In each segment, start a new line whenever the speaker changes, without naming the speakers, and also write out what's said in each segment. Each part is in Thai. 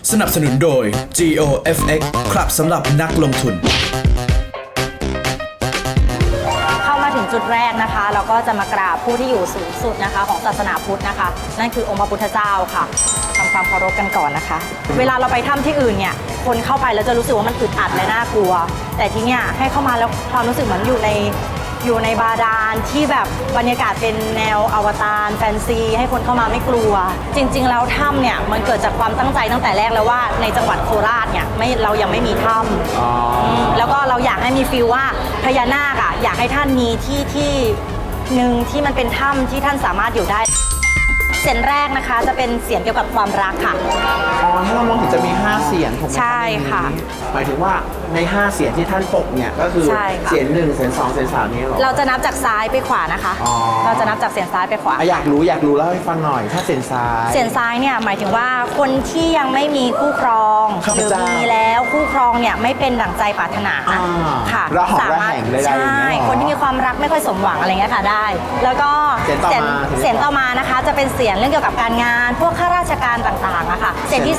สนับสนุนโดย GOFX ครับสำหรับนักลงทุน
เข้ามาถึงจุดแรกนะคะเราก็จะมากราบผู้ที่อยู่สูงสุดนะคะของศาสนาพุทธนะคะนั่นคือองค์พระพุทธเจ้าค่ะทำความเคารพกันก่อนนะคะเวลาเราไปถ้ำที่อื่นเนี่ยคนเข้าไปแล้วจะรู้สึกว่ามันอึดอัดและน่ากลัวแต่ที่เนี่ยให้เข้ามาแล้วความรู้สึกเหมือนอยู่ในบาดาลที่แบบบรรยากาศเป็นแนวอวตารแฟนซีให้คนเข้ามาไม่กลัวจริงๆแล้วถ้ำเนี่ยมันเกิดจากความตั้งใจตั้งแต่แรกแล้วว่าในจังหวัดโคราชเนี่ยเรายังไม่มีถ้ำแล้วก็เราอยากให้มีฟีลว่าพญานาคอยากให้ท่านมีที่หนึ่งที่มันเป็นถ้ำที่ท่านสามารถอยู่ได้เสียงแรกนะคะจะเป็นเสียงเกี่ยวกับความรักค่ะ
ถ้าเรามองเห็นจะมี5เสียงถูกไหม
ใช่ค่ะ
หมายถึงว่าใน5เสียงที่ท่านปกเนี่ยก็คือเสียง1เสียง2เสียง3นี้หรอ
เราจะนับจากซ้ายไปขวานะคะเราจะนับจากเสียงซ้ายไปขวา
อยากรู้เล่าให้ฟังหน่อยถ้าเสียงซ้
ายเนี่ยหมายถึงว่าคนที่ยังไม่มีคู่ครองหรือมีแล้วคู่ครองเนี่ยไม่เป็นดั่งใจปรารถนาค่ะ
สามารถ
ใช่คนที่มีความรักไม่ค่อยสมหวังอะไรเงี้ยค่ะได้แล้วก็เสียงต่อมานะคะจะเป็นเสียงเรื่องเกี่ยวกับการงานพวกข้าราชการต่างๆอะค่ะเสียงที่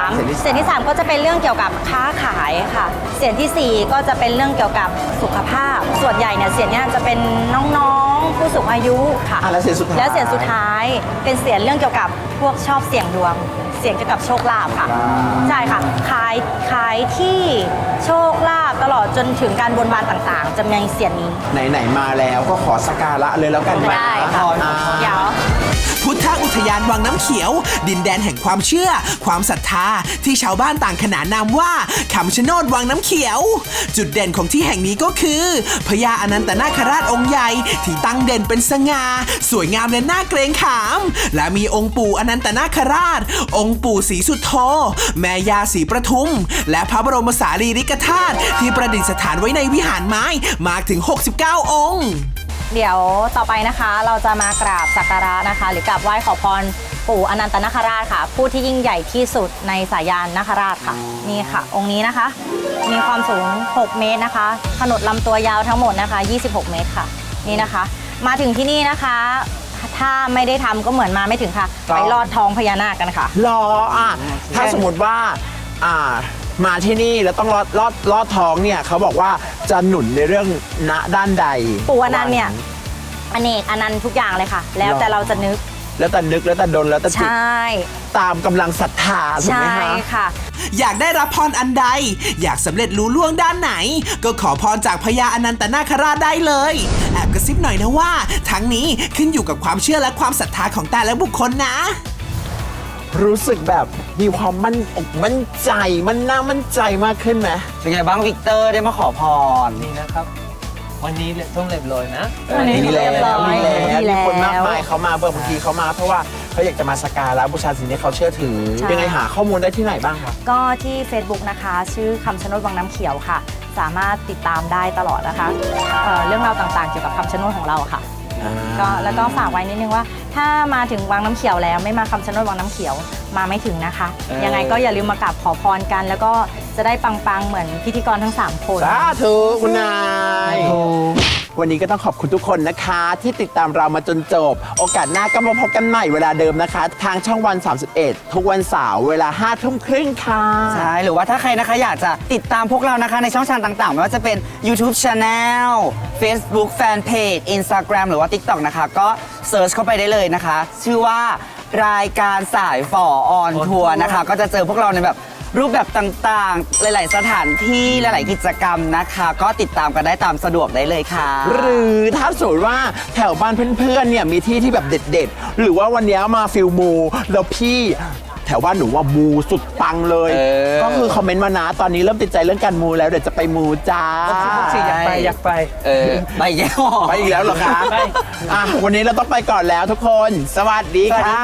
3ก็จะเป็นเรื่องเกี่ยวกับค้าขายค่ะเสียงที่4ก็จะเป็นเรื่องเกี่ยวกับสุขภาพส่วนใหญ่เนี่ยเสียงเนี้ยจะเป็นน้องๆผู้สูงอายุค่ะ
แล้วเสียงสุด
ท้ายเป็นเสียงเรื่องเกี่ยวกับพวกชอบเสี่ยงดวงเสียงเกี่ยวกับโชคลาภค่ะใช่ค่ะขายที่โชคลาภตลอดจนถึงการบนบานต่างๆจะมีเสียงนี้
ไหนมาแล้วก็ขอสักการะเลยแล้วกัน
ได้ค่ะเดี๋ยว
พุทธอุทยานวังน้ำเขียวดินแดนแห่งความเชื่อความศรัทธาที่ชาวบ้านต่างขนานนามว่าคำชะโนดวังน้ำเขียวจุดเด่นของที่แห่งนี้ก็คือพญาอนันตนาคราชองค์ใหญ่ที่ตั้งเด่นเป็นสง่าสวยงามและน่าเกรงขามและมีองค์ปู่อนันตนาคราชองค์ปู่ศรีสุโธแม่ย่าศรีประทุมและพระบรมสารีริกธาตุที่ประดิษฐานไว้ในวิหารไม้มากถึง69องค์
เดี๋ยวต่อไปนะคะเราจะมากราบสักการะนะคะหรือกราบไหว้ขอพรปู่อนันตนาคราชค่ะผู้ที่ยิ่งใหญ่ที่สุดในสายานนาคราชค่ะนี่ค่ะองค์นี้นะคะมีความสูง6เมตรนะคะขนาดลำตัวยาวทั้งหมดนะคะ26เมตรค่ะนี่นะคะมาถึงที่นี่นะคะถ้าไม่ได้ทำก็เหมือนมาไม่ถึงค่ะไปลอดท้องพญานาคกันค่ะ
ถ้าสมมติว่ามาที่นี่แล้วต้องลอดท้องเนี่ยเขาบอกว่าจะหนุนในเรื่องณด้านใด
ปู่อนันต์เนี่ยอเนกอนันต์ทุกอย่างเลยค่ะแล้วแต่เราจะนึก
แล้วแต่ดนแล้วแต่จิตตามกำลังศรัทธาถูกไหมคะ
ใช่ค่ะ
อยากได้รับพรอันใดอยากสำเร็จรู้ล่วงด้านไหนก็ขอพรจากพญาอนันตนาคราชได้เลยแอบกระซิบหน่อยนะว่าทั้งนี้ขึ้นอยู่กับความเชื่อและความศรัทธาของแต่ละบุคคลนะ
รู้สึกแบบมีความมั่นใจน่ามั่นใจมากขึ้นไหม
เป็นไงบ้างวิกเตอร์ได้มาขอพร
นี่นะครับวันนี้ต้องเรียบร้อยนะ
มีคนมากมายเขามาบางทีเขามาเพราะว่าเขาอยากจะมาสักการะบูชาสิ่งที่เขาเชื่อถือยังไงหาข้อมูลได้ที่ไหนบ้างครับ
ก็ที่ Facebook นะคะชื่อคำชะโนดวังน้ำเขียวค่ะสามารถติดตามได้ตลอดนะคะเรื่องราวต่างๆเกี่ยวกับคำชะโนดของเราค่ะแล้วก็ฝากไว้นิดนึงว่าถ้ามาถึงวังน้ำเขียวแล้วไม่มาคำชะโนดวังน้ำเขียวมาไม่ถึงนะคะยังไงก็อย่าลืมมากราบขอพรกันแล้วก็จะได้ปังๆเหมือนพิธีกรทั้ง3คน
สาธุคุณนายวันนี้ก็ต้องขอบคุณทุกคนนะคะที่ติดตามเรามาจนจบโอกาสหน้าก็มาพบกันใหม่เวลาเดิมนะคะทางช่องวัน31ทุกวันเสาร์เวลา 5:30 ค่ะ
ใช่หรือว่าถ้าใครนะคะอยากจะติดตามพวกเรานะคะในช่องทางต่างๆไม่ว่าจะเป็น YouTube Channel Facebook Fanpage Instagram หรือว่า TikTok นะคะก็เซิร์ชเข้าไปได้เลยนะคะชื่อว่ารายการสายฝ่อออนทัวร์นะคะก็จะเจอพวกเราในแบบรูปแบบต่างๆหลายๆสถานที่หลายๆกิจกรรมนะคะก็ติดตามกันได้ตามสะดวกได้เลยค่ะ
หรือถ้าสมมติว่าแถวบ้านเพื่อนๆเนี่ยมีที่แบบเด็ดๆหรือว่าวันนี้มาฟิลมูแล้วพี่แถวบ้านหนูว่ามูสุดปังเลยก็คือคอมเมนต์มานะตอนนี้เริ่มติดใจเรื่องการมูแล้วเดี๋ยวจะไปมูจ้า
อยากไป
ไปอีกแล้ว
ไปอีกแล้วเหรอคะวันนี้เราต้องไปก่อนแล้วทุกคนสวัสดีค่ะ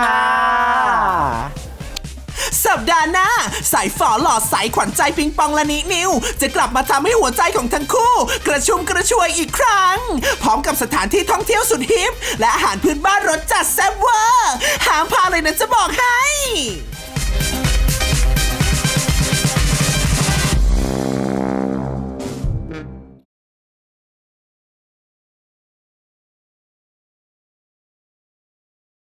สัปดาห์หน้าสายฝอหล่อใสขวัญใจปิงปองและนินิวจะกลับมาทำให้หัวใจของทั้งคู่กระชุ่มกระชวยอีกครั้งพร้อมกับสถานที่ท่องเที่ยวสุดฮิปและอาหารพื้นบ้านรสจัดแซ่บเวอร์ห้ามพลาดเลยนะจะบอกให้